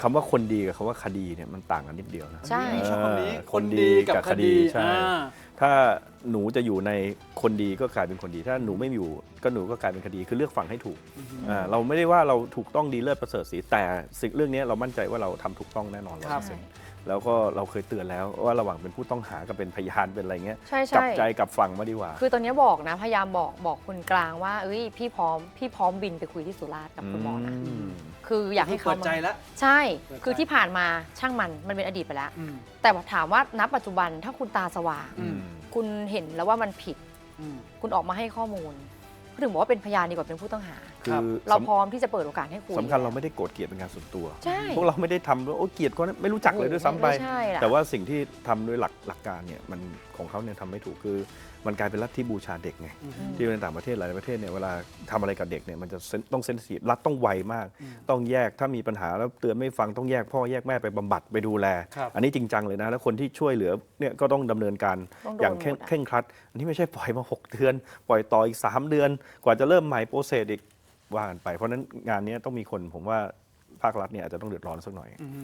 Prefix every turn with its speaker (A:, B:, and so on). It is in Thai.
A: คำว่าคนดีกับคำว่าคดีเนี่ยมันต่างกันนิดเดียวนะ
B: ใช่
C: ชอบคำนี้
A: คนดีกับคดีใช่
C: อ่า
A: ถ้าหนูจะอยู่ในคนดีก็กลายเป็นคนดี ถ้าหนูไม่อยู่ก็หนูก็กลายเป็นคดีคือเลือกฝั่งให้ถูกเราไม่ได้ว่าเราถูกต้องดีเลิศประเสริฐศรีแต่สิ่งเรื่องนี้เรามั่นใจว่าเราทำถูกต้องแน่นอน
C: ครับ
A: 100%แล้วก็เราเคยเตือนแล้วว่าระหว่างเป็นผู้ต้องหากับเป็นพยานเป็นอะไรเงี้ย
B: ใช่
A: กลับ
B: ใช่
A: ใจกลับฝั่งมาดีกว่า
B: คือตอนนี้บอกนะพยายามบอกคนกลางว่าเอ้ยพี่พร้อมบินไปคุยที่สุราษฎร์กับคุณหมอนะ
A: ม
B: คืออยากให้เขา
C: เปิดใจแล้ว
B: ใช่
C: เปิดใจ
B: คือที่ผ่านมาช่างมันเป็นอดีตไปแล้ว
C: อืม
B: แต่ถามว่าณปัจจุบันถ้าคุณตาสว่าง
C: อืม
B: คุณเห็นแล้วว่ามันผิด
C: อืม
B: คุณออกมาให้ข้อมูลก็ถึงบอกว่าเป็นพยานดีกว่าเป็นผู้ต้องหา
A: คื
C: ครั
A: อบ
B: เราพร้อมที่จะเปิดโอกาสให้คุย
A: สำคัญเราไม่ได้โกรธเกลียดเป็นการส่วนตัว
B: ใช่
A: พวกเราไม่ได้ทำว่าโอ้เกลียดก็ไม่รู้จักเลยด้วยซ้ำไป
B: ไม่ใช่ล่ะ
A: แต่ว่าสิ่งที่ทำด้วยหลักการเนี่ยมันของเขาเนี่ยทำไม่ถูกคือมันกลายเป็นลัทธิบูชาเด็กไง ที่ในต่างประเทศหลายประเทศเนี่ยเวลาทำอะไรกับเด็กเนี่ยมันจะต้องเซนซิทีฟรัฐต้องไวมาก ต้องแยกถ้ามีปัญหาแล้วเตือนไม่ฟังต้องแยกพ่อแยกแม่ไปบำบัดไปดูแล
C: ครับ
A: อันนี้จริงจังเลยนะแล้วคนที่ช่วยเหลือเนี่ยก็ต้องดำเนินการ
B: ต้องโดน
A: อย่าง
B: หมดอะ
A: เคร่งครัด อันนี้ไม่ใช่ปล่อยมา6 เดือน ปล่อยต่ออีก 3 เดือน กว่าจะเริ่มใหม่โปรเซสอีกว่ากันไปเพราะฉะนั้นงานนี้ต้องมีคนผมว่าภาครัฐเนี่ยอาจจะต้องเดือดร้อนสักหน่อย